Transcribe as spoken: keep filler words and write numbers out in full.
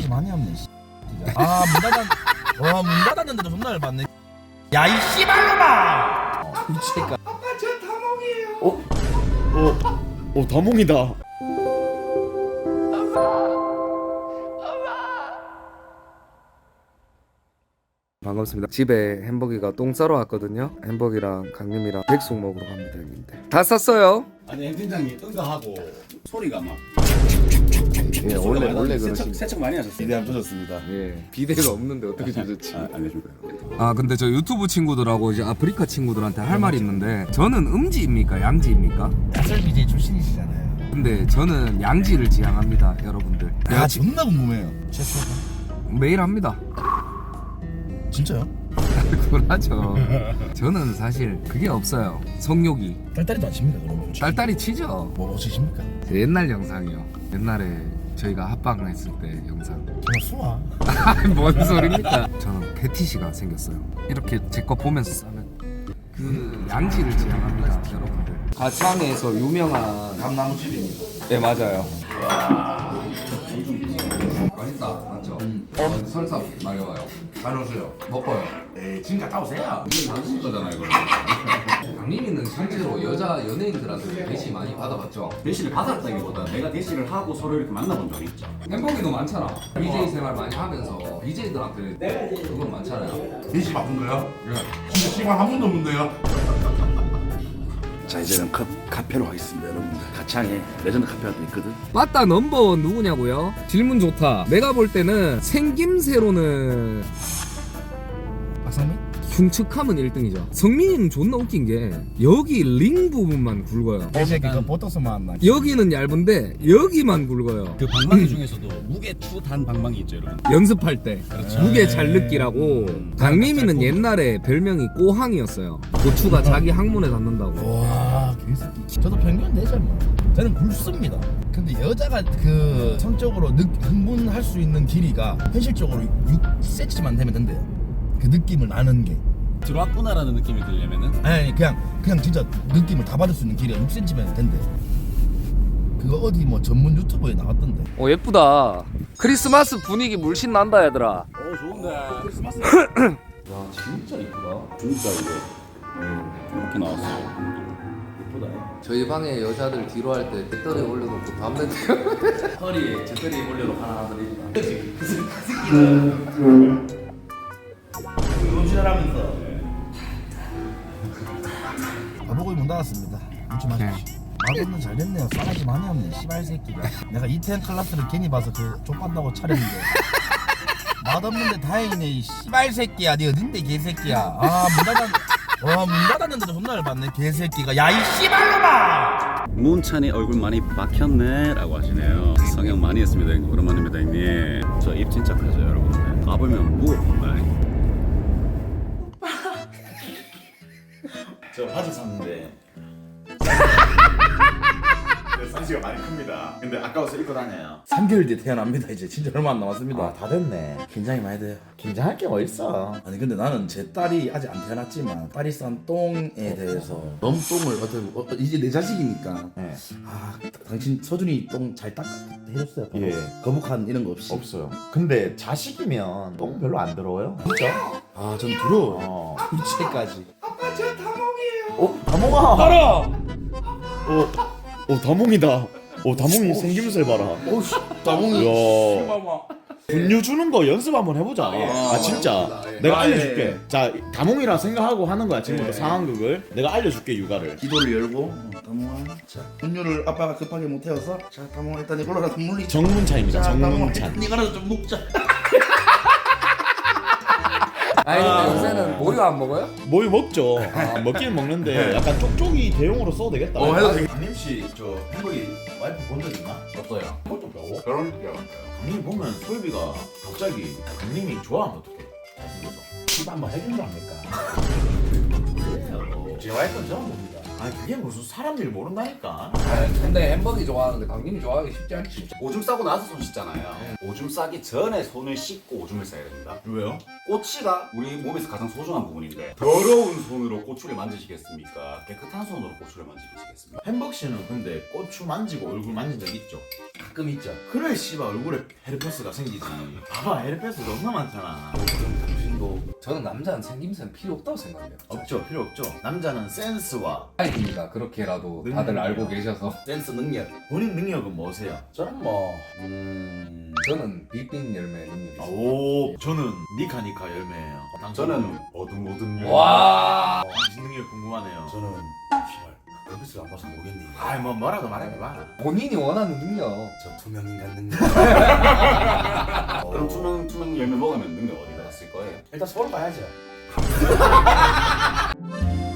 싸가지 많이 없네. 아문 닫았 와문 닫았는데도 존나 열받네. 야 이 씨발놈아. 미치겠다. 아빠 저 다몽이에요. 어? 어? 어 다몽이다. 반갑습니다. 집에 햄버기가 똥 싸러 왔거든요. 햄버기랑 강림이랑 백숙 먹으러 갑니다, 형님들. 다 쌌어요? 아니 햄 팀장님 응가하고 소리가 막 예, 원래 원래 그러신. 세척 많이 하셨어요. 비대 안 터졌습니다. 예, 비대가 없는데 어떻게 조졌지? 아, 알려줄까요? 아 근데 저 유튜브 친구들하고 이제 아프리카 친구들한테 할 말이 있는데 저는 음지입니까, 양지입니까? 야설 비제이 출신이시잖아요. 근데 저는 양지를 지향합니다, 여러분들. 아 존나 궁금해요. 최초 매일 합니다. 진짜요? 그러죠. 저는 사실 그게 없어요. 성욕이. 딸딸이도 안 칩니까 그러면? 솔직히? 딸딸이 치죠. 뭐 어찌십니까? 옛날 영상이요. 옛날에 저희가 합방을 했을 때 영상. 그냥 수아. 뭔 소리입니까? 저는 패티시가 생겼어요. 이렇게 제 거 보면서 싸면 그 양지를 지향합니다, 여러분들. 가창에서 유명한 감나무집입니다. 네 맞아요. 맛있다, 맞죠? 음. 어, 설사 마려워요. 잘 오세요. 먹어요. 에이 지금 갔다 오세요. 이게 만드실 거잖아요, 이걸. 강림이는 실제로 여자 연예인들한테 대시 많이 받아봤죠? 대시를 받았다기보다 내가 대시를 하고 서로 이렇게 만나본 적이 있죠. 햄버기도 많잖아. 비제이 생활 많이 하면서 비제이들한테 그건 많잖아요. 대시 바꾼 거요? 진짜 시간 한 번도 없는데요? 자 이제는 카, 카페로 하겠습니다 여러분들. 가창에 레전드 카페가 또 있거든. 맞다, 넘버원 누구냐고요? 질문 좋다. 내가 볼 때는 생김새로는 박상민? 흉측함은 일 등이죠. 성민이는 존나 웃긴 게 여기 링 부분만 굵어요. 개새끼 그 보톡스만 안 나. 여기는 얇은데 여기만 굵어요. 그 방망이 중에서도 무게 추단 방망이 있죠, 여러분. 연습할 때 무게 잘 느끼라고. 강림이는 옛날에 별명이 꼬항이었어요. 고추가 자기 항문에 닿는다고. 와 개새끼. 저도 평균 되죠 뭐. 저는 굵습니다. 근데 여자가 그 성적으로 느, 흥분할 수 있는 길이가 현실적으로 육 센티미터만 되면 된대요. 그 느낌을 나는 게. 들어왔구나라는 느낌이 들려면은 아니, 아니 그냥 그냥 진짜 느낌을 다 받을 수 있는 길이가 육 센티미터면 된대. 그거 어디 뭐 전문 유튜버에 나왔던데. 어 예쁘다. 크리스마스 분위기 물씬 난다 얘들아. 어 좋은데 크리스마스 와 진짜 이쁘다. 진짜 이거 이렇게 나왔어요. 예쁘다. 저희 방에 여자들 뒤로 할 때 배터리 올려놓고 담배 허리에 제떨이 올려놓고 하나 하나 드립니다. 음식하면서 바보고기 문 닫았습니다. 음치 마십시오. 맛없는 잘 됐네요. 싸가지 많이 없네. 씨발 새끼가. 내가 이태원 클라스를 괜히 봐서 그 족간다고 차렸는데 맛없는데 다행이네. 이 씨발 새끼야. 니 어딘데 개새끼야. 아문 닫았. 와문 닫았는데도 존나 열받네. 개새끼가. 야 이 씨발놈아. 문찬이 얼굴 많이 박혔네 라고 하시네요. 성형 많이 했습니다 형님. 오랜만입니다 형님. 저 입 진짜 크죠 여러분들. 가보면 무엇인가. 저 바지 샀는데 사이즈가 많이 큽니다. 근데 아까워서 입고 다녀요. 삼 개월 뒤에 태어납니다. 이제 진짜 얼마 안 남았습니다. 아 다 됐네. 긴장이 많이 돼요. 긴장할 게 어딨어. 아니 근데 나는 제 딸이 아직 안 태어났지만 딸이 싼 똥에 대해서 너무 똥을 어떻게 어, 이제 내 자식이니까 네. 아 당신 서준이 똥 잘 닦아 해줬어요. 예. 거북한 이런 거 없이. 없어요. 근데 자식이면 똥 별로 안 더러워요. 진짜? 아전 두려워. 어. 이제까지. 아빠 저 다몽이에요. 어 다몽아. 따라. 어. 어 다몽이다. 어 다몽이 생김새 봐라. 오씨 나봉이. 야. 분유 주는 거 연습 한번 해보자. 아 진짜. 내가 알려줄게. 자 다몽이라 생각하고 하는 거야 지금부터 상황극을. 내가 알려줄게 육아를. 기도를 열고 어, 다몽아 자 분유를 아빠가 급하게 못 태워서 자 다몽아 일단 이걸로라도 물리자. 정문찬입니다. 자 다몽아 정문찬. 이거라도 좀 먹자. 아니 근데 요새는 모유 안 먹어요? 모유 먹죠. 먹기는 먹는데 약간 쪽쪽이 대용으로 써도 되겠다. 어, 해도 되겠- 강림 씨저 햄버기 와이프 본 적 있나? 없어요. 그것도 배워. 결혼 때 강림 보면 솔비가 갑자기 강림이 좋아하면 어떡해? 잘생겨서. 집 한번 해준다 합니까? 그래요. 제 와이프는 처음 봅니다. 아니 그게 무슨 사람 일 모른다니까. 근데 햄버거 좋아하는데 강림이 좋아하기 쉽지 않지. 오줌 싸고 나서 손 씻잖아요. 오줌 싸기 전에 손을 씻고 오줌을 싸야 됩니다. 왜요? 꼬치가 우리 몸에서 가장 소중한 부분인데 더러운 손으로 꼬추를 만지시겠습니까? 깨끗한 손으로 꼬추를 만지시겠습니까? 햄버거 씨는 근데 고추 만지고 얼굴 만진 적 있죠? 가끔 있죠. 그래 씨발 얼굴에 헤르페스가 생기지. 봐봐 헤르페스 너무 많잖아. 당신도 저는 남자는 생김새는 필요 없다고 생각해요. 없죠 필요 없죠. 남자는 센스와 아이입니다. 그렇게라도 능력. 다들 알고 계셔서. 센스 능력. 본인 능력은 뭐세요? 저는 뭐 음... 저는 빌빈 열매 능력이 아, 있어요. 오 저는 니카니카 열매예요. 저는 어둠 어둠 열. 와. 당신 능력 궁금하네요. 저는 씨발 그것을 안 봐서 모르겠네. 아이 뭐 뭐라도 말해봐. 본인이 원하는 능력. 저 투명 인간 능력. 그럼 투명 투명 열매 먹으면 능력 어디다 쓸 거예요? 일단 서로 봐야죠.